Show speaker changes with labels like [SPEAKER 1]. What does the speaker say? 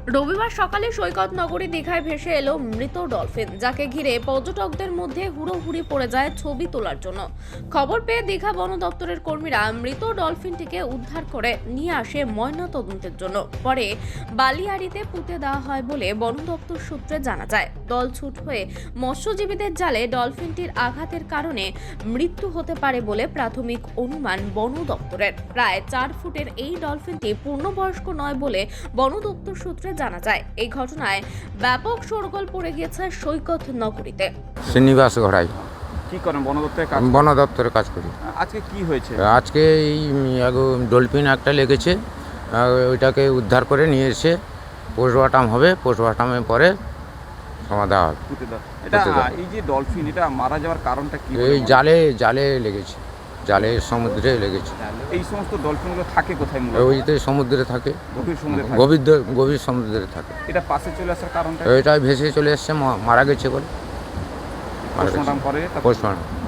[SPEAKER 1] রবিবার সকালে সৈকত নগরী দীঘায় ভেসে এলো মৃত ডলফিন, যাকে ঘিরে পর্যটকদের মধ্যে হুড়োহুড়ি পড়ে যায় ছবি তোলার জন্য। খবর পেয়ে দীঘা বন দপ্তরের কর্মীরা মৃত ডলফিনটিকে উদ্ধার করে নিয়ে আসে ময়নাতদন্তের জন্য। পরে বালিয়াড়িতে পুঁতে দেওয়া হয় বলে বন দপ্তর সূত্রে জানা যায়। দলছুট হয়ে মৎস্যজীবীদের জালে ডলফিনটির আঘাতের কারণে মৃত্যু হতে পারে বলে প্রাথমিক অনুমান বন দপ্তরের। প্রায় 4 ফুটের এই ডলফিনটি পূর্ণবয়স্ক নয় বলে বন দপ্তর সূত্রে জানা যায়। এই ঘটনায় ব্যাপক শোরগোল পড়ে গিয়েছে সৈকত নগরীতে।
[SPEAKER 2] শ্রীনিবাস ঘড়াই,
[SPEAKER 3] কি করেন বন দপ্তরে কাজ?
[SPEAKER 2] বন দপ্তরে কাজ করি।
[SPEAKER 3] আজকে কি হয়েছে?
[SPEAKER 2] আজকে এই ডলফিন একটা লেগেছে, ওইটাকে উদ্ধার করে নিয়ে এসে পোস্টমর্টম হবে। পোস্টমর্টমের পরে সমাধা হবে।
[SPEAKER 3] এটা
[SPEAKER 2] পুঁতে দেওয়া।
[SPEAKER 3] এই যে ডলফিন, এটা মারা যাওয়ার কারণটা কি?
[SPEAKER 2] এই জালে লেগেছে, জালে সমুদ্রে লেগেছে।
[SPEAKER 3] এই সমস্ত ডলফিনগুলো থাকে কোথায় মূলত?
[SPEAKER 2] ওইতে সমুদ্রে থাকে,
[SPEAKER 3] গভীর সমুদ্রে থাকে।
[SPEAKER 2] গভীর সমুদ্রে থাকে।
[SPEAKER 3] এটা পাশে চলে আসার কারণটা?
[SPEAKER 2] ওইটা ভেসে চলে এসছে, মারা গেছে বলে।
[SPEAKER 3] পোস্টমর্টম করে
[SPEAKER 2] পোস্টমর্টম